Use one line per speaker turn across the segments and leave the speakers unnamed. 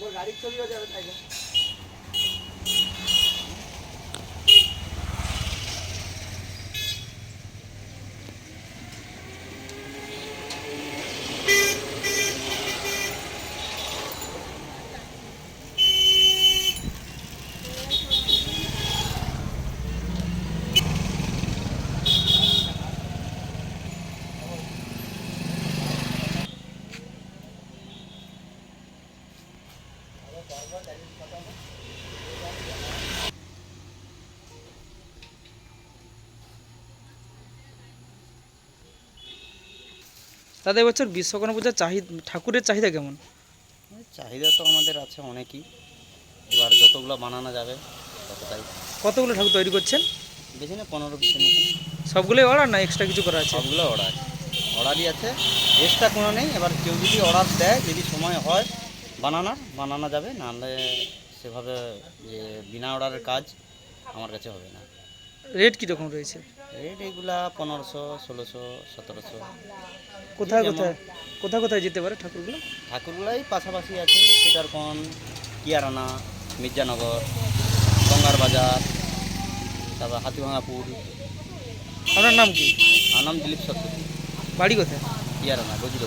দাদা এবছর বিশ্বকর্মা পূজার ঠাকুরের চাহিদা কেমন?
চাহিদা তো আমাদের আছে অনেকই, এবার যতগুলো বানানো যাবে ততটাই।
কতগুলো ঠাকুর তৈরি করছেন?
বেশি না, 15-20 মতন।
সবগুলোই অর্ডার না এক্সট্রা কিছু করা আছে?
সবগুলো অর্ডারই আছে, এক্সট্রা কোনো নেই। এবার কেউ যদি অর্ডার দেয়, যদি সময় হয় বানানো যাবে, নাহলে সেভাবে যে বিনা অর্ডারের কাজ আমার কাছে হবে না।
রেট কীরকম রয়েছে?
রেট এইগুলা 1500, 1600, 1700।
কোথায় কোথায় যেতে পারে ঠাকুরগুলো?
ঠাকুরগুলাই পাশাপাশি আছে, সীতারকন, কিয়ারানা, মির্জানগর, গঙ্গার বাজার, তারপর হাতিভাঙাপুর।
আপনার নাম কি?
আমার নাম দিলীপ সত্যি।
বাড়ি কোথায়?
কিয়ারানা, গজুরত।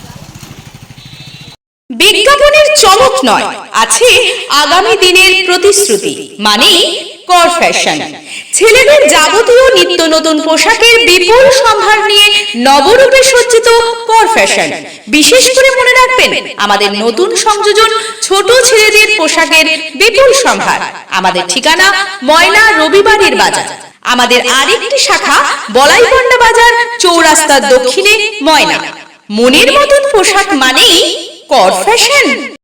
বিজ্ঞাপনের চমক নয়, আছে আগামী দিনের প্রতিশ্রুতি, মানে কর ফ্যাশন। ছেলেদের যাবতীয় নিত্য নতুন পোশাকের বিপুল সম্ভার নিয়ে নবরূপে সজ্জিত কর ফ্যাশন। বিশেষ করে মনে রাখবেন, আমাদের নতুন সংযোজন ছোট ছেলেদের পোশাকের বিপুল সম্ভার। আমাদের ঠিকানা ময়না রবিবারের বাজার। আমাদের আরেকটি শাখা বলাইপন্ডা বাজার, চৌরাস্তার দক্ষিণে ময়না। মনের মতন পোশাক মানেই কর ফ্যাশন।